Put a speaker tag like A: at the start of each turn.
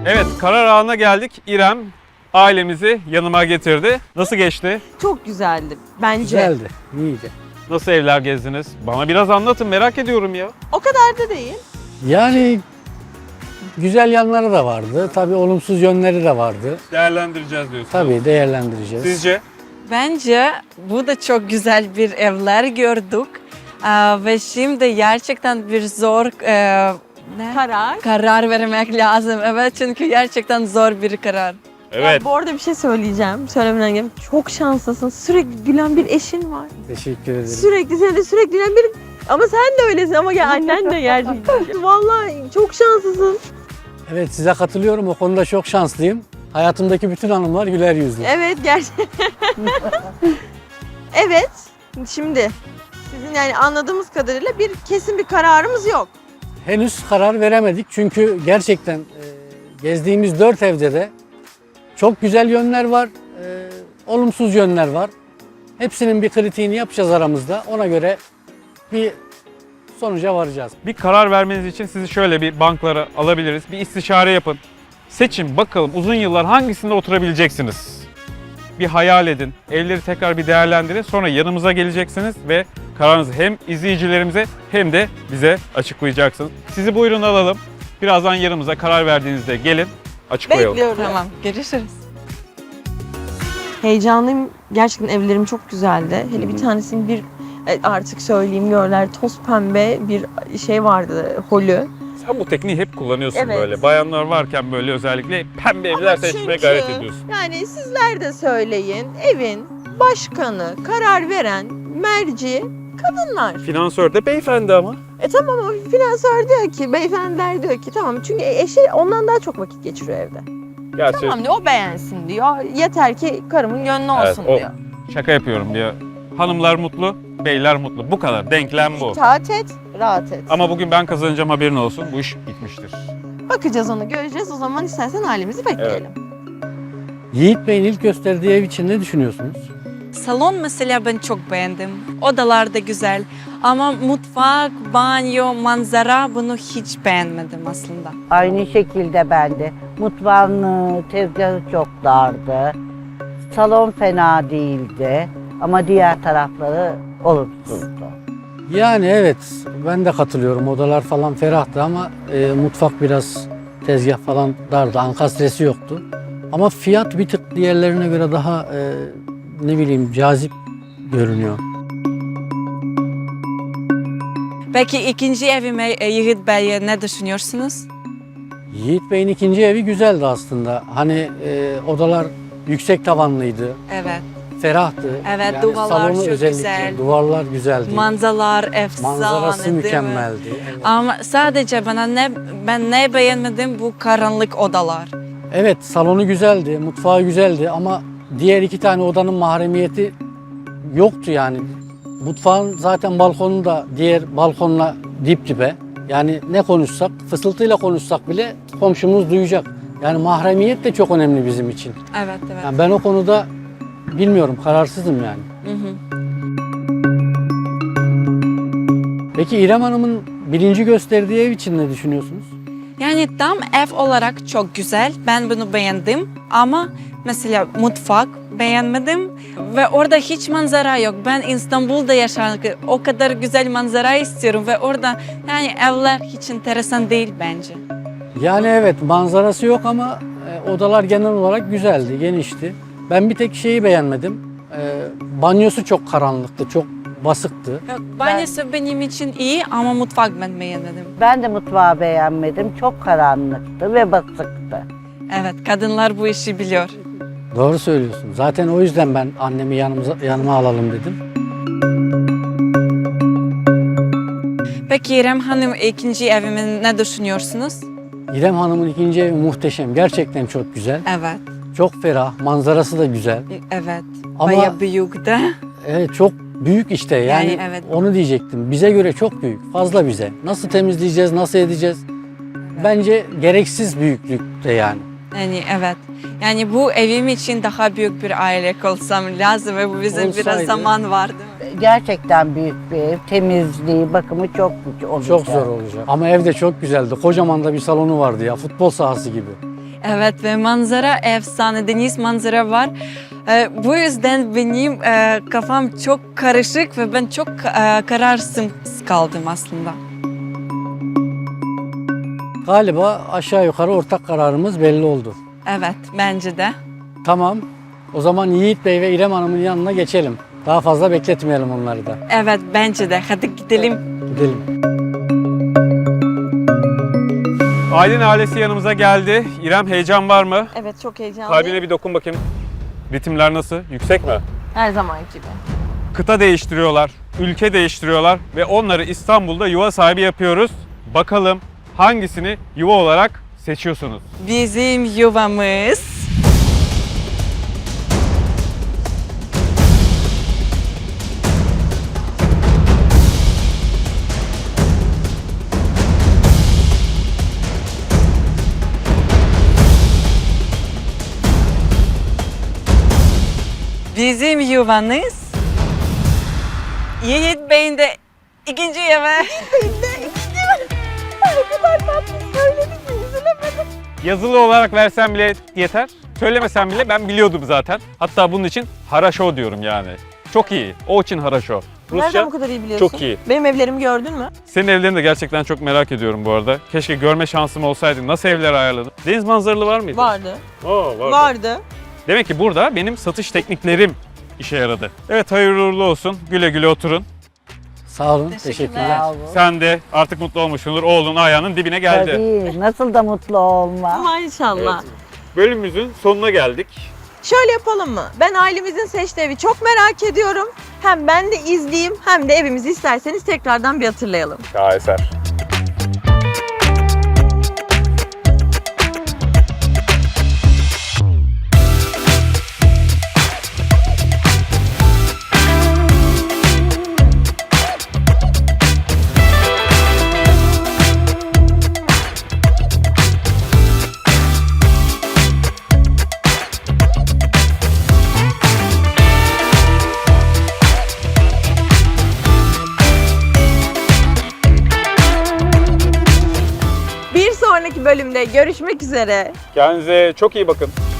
A: Evet, karar anına geldik. İrem ailemizi yanıma getirdi. Nasıl geçti?
B: Çok güzeldi bence.
C: Güzeldi, iyiydi.
A: Nasıl evler gezdiniz? Bana biraz anlatın, merak ediyorum ya.
B: O kadar da değil.
C: Yani güzel yanları da vardı. Tabii olumsuz yönleri de vardı.
A: Değerlendireceğiz diyorsunuz.
C: Tabii değerlendireceğiz.
A: Sizce?
D: Bence bu da çok güzel bir evler gördük. Ve şimdi gerçekten bir zor karar vermek lazım. Evet, çünkü gerçekten zor bir karar.
A: Evet.
B: Ya, bu arada bir şey söyleyeceğim. Söylemeden gelip çok şanslısın. Sürekli gülen bir eşin var.
C: Teşekkür ederim.
B: Sürekli gülen bir... Ama sen de öylesin ama annen de gerçekten. Vallahi çok şanslısın.
C: Evet, size katılıyorum. O konuda çok şanslıyım. Hayatımdaki bütün hanımlar güler yüzlü.
B: Evet gerçekten. Evet. Şimdi sizin yani anladığımız kadarıyla kesin bir kararımız yok.
C: Henüz karar veremedik çünkü gerçekten gezdiğimiz 4 evde de çok güzel yönler var, olumsuz yönler var. Hepsinin bir kritiğini yapacağız aramızda. Ona göre bir sonuca varacağız.
A: Bir karar vermeniz için sizi şöyle bir banklara alabiliriz. Bir istişare yapın. Seçin bakalım uzun yıllar hangisinde oturabileceksiniz? Bir hayal edin. Evleri tekrar bir değerlendirin. Sonra yanımıza geleceksiniz ve kararınızı hem izleyicilerimize hem de bize açıklayacaksınız. Sizi buyurun alalım. Birazdan yanımıza karar verdiğinizde gelin açıklayalım.
B: Bekliyorum.
D: Tamam, görüşürüz.
B: Heyecanlıyım. Gerçekten evlerim çok güzeldi. Hele bir tanesinin artık söyleyeyim görler toz pembe bir şey vardı holü.
A: Sen bu tekniği hep kullanıyorsun
B: Evet.
A: böyle. Bayanlar varken böyle özellikle pembe evler seçmeye
B: çünkü-
A: gayret ediyorsun.
B: Yani sizler de söyleyin. Evin başkanı, karar veren merci kadınlar.
A: Finansör de beyefendi ama.
B: Tamam ama finansör diyor ki, beyefendiler diyor ki tamam çünkü eşi ondan daha çok vakit geçiriyor evde.
A: Gerçi
B: Tamam diyor o beğensin diyor. Yeter ki karımın gönlü olsun
A: o
B: diyor.
A: şaka yapıyorum diyor. Hanımlar mutlu, beyler mutlu. Bu kadar. Denklem bu.
B: İtaat et, rahat et.
A: Ama bugün ben kazanacağım haberin olsun. Bu iş bitmiştir.
B: Bakacağız onu göreceğiz. O zaman istersen halimizi bekleyelim.
C: Yiğit Bey'in ilk gösterdiği ev için ne düşünüyorsunuz?
D: Salon mesela ben çok beğendim. Odalar da güzel. Ama mutfak, banyo, manzara bunu hiç beğenmedim aslında.
E: Aynı şekilde ben de. Mutfağın tezgahı çok dardı. Salon fena değildi ama diğer tarafları olumsuzdu.
C: Yani evet, ben de katılıyorum. Odalar falan ferahtı ama mutfak biraz tezgah falan dardı. Ankastresi yoktu. Ama fiyat bir tık diğerlerine göre daha ne bileyim cazip görünüyor.
D: Peki ikinci evime Yiğit Bey'e ne düşünüyorsunuz?
C: Yiğit Bey'in ikinci evi güzeldi aslında. Hani odalar yüksek tavanlıydı,
D: Evet.
C: ferahtı.
D: Evet,
C: Yani
D: duvarlar
C: salonu
D: çok
C: özellikle,
D: güzel.
C: Duvarlar güzeldi.
D: Manzaralar efsane
C: Manzarası
D: değil mi?
C: mükemmeldi. Evet.
D: Ama sadece ben ne beğenmedim bu karanlık odalar.
C: Evet, salonu güzeldi, mutfağı güzeldi ama diğer 2 tane odanın mahremiyeti yoktu yani. Mutfağın zaten balkonu da diğer balkonla dip dibe. Yani ne konuşsak, fısıltıyla konuşsak bile komşumuz duyacak. Yani mahremiyet de çok önemli bizim için.
D: Evet, evet.
C: Yani ben o konuda bilmiyorum, kararsızım yani.
D: Hı hı.
C: Peki İrem Hanım'ın birinci gösterdiği ev için ne düşünüyorsunuz?
D: Yani tam ev olarak çok güzel. Ben bunu beğendim ama mesela mutfak beğenmedim ve orada hiç manzara yok. Ben İstanbul'da yaşarken o kadar güzel manzara istiyorum ve orada yani evler hiç enteresan değil bence.
C: Yani evet, manzarası yok ama odalar genel olarak güzeldi, genişti. Ben bir tek şeyi beğenmedim. Banyosu çok karanlıktı, çok basıktı.
D: Banyosu benim için iyi ama mutfak ben beğenmedim.
E: Ben de mutfağı beğenmedim. Çok karanlıktı ve basıktı.
D: Evet, kadınlar bu işi biliyor.
C: Doğru söylüyorsun. Zaten o yüzden ben annemi yanıma alalım dedim.
D: Peki İrem Hanım ikinci evimi ne düşünüyorsunuz?
C: İrem Hanım'ın ikinci evi muhteşem. Gerçekten çok güzel.
D: Evet,
C: Çok ferah. Manzarası da güzel.
D: evet.
C: Ama-
D: Bayağı büyük de.
C: Evet, çok büyük işte. Yani,
D: Yani evet.
C: onu diyecektim. Bize göre çok büyük. Fazla bize. Nasıl temizleyeceğiz, nasıl edeceğiz? Bence gereksiz büyüklükte yani.
D: Yani evet. Yani bu evim için daha büyük bir aile olsam lazım ve bu bizim biraz
C: Olsaydı.
D: zaman vardı.
E: Gerçekten büyük bir ev. Temizliği, bakımı çok güç olacak.
C: Çok zor olacak. Ama evde çok güzeldi. Kocaman da bir salonu vardı ya. Futbol sahası gibi.
D: Evet ve manzara efsane, deniz manzara var. Bu yüzden benim kafam çok karışık ve ben çok kararsız kaldım aslında.
C: Galiba aşağı yukarı ortak kararımız belli oldu.
D: Evet, bence de.
C: Tamam. O zaman Yiğit Bey ve İrem Hanım'ın yanına geçelim. Daha fazla bekletmeyelim onları da.
D: Evet, bence de. Hadi gidelim.
C: Gidelim.
A: Aylin ailesi yanımıza geldi. İrem, heyecan var mı?
B: Evet, çok heyecanlıyım.
A: Kalbine bir dokun bakayım. Ritimler nasıl? Yüksek mi?
B: Her zaman gibi.
A: Kıta değiştiriyorlar, ülke değiştiriyorlar ve onları İstanbul'da yuva sahibi yapıyoruz. Bakalım hangisini yuva olarak seçiyorsunuz?
D: Bizim yuvamız. Bizim yuvanız. Yiğit Bey'in de ikinci yuva.
A: Yazılı olarak versen bile yeter. Söylemesen bile ben biliyordum zaten. Hatta bunun için haraşo diyorum yani. Çok iyi. O için haraşo.
B: Nereden bu kadar iyi biliyorsun?
A: çok iyi.
B: Benim evlerimi gördün mü?
A: Senin evlerini de gerçekten çok merak ediyorum bu arada. Keşke görme şansım olsaydı. Nasıl evler ayarladın? Deniz manzaralı var mıydı?
B: Vardı.
A: Oo,
B: Vardı.
A: Demek ki burada benim satış tekniklerim işe yaradı. Evet, hayırlı uğurlu olsun. Güle güle oturun.
C: Sağ olun.
D: Teşekkürler.
C: Teşekkürler.
A: Sen de artık mutlu olmuşsundur. Oğlun ayağının dibine geldi.
E: Tabii, nasıl da mutlu olma.
B: Maşallah.
A: Bölümümüzün sonuna geldik.
B: Şöyle yapalım mı? Ben ailemizin seçtiği evi çok merak ediyorum. Hem ben de izleyeyim hem de evimizi isterseniz tekrardan bir hatırlayalım.
A: Şaheser.
B: Bir sonraki bölümde görüşmek üzere.
A: Kendinize çok iyi bakın.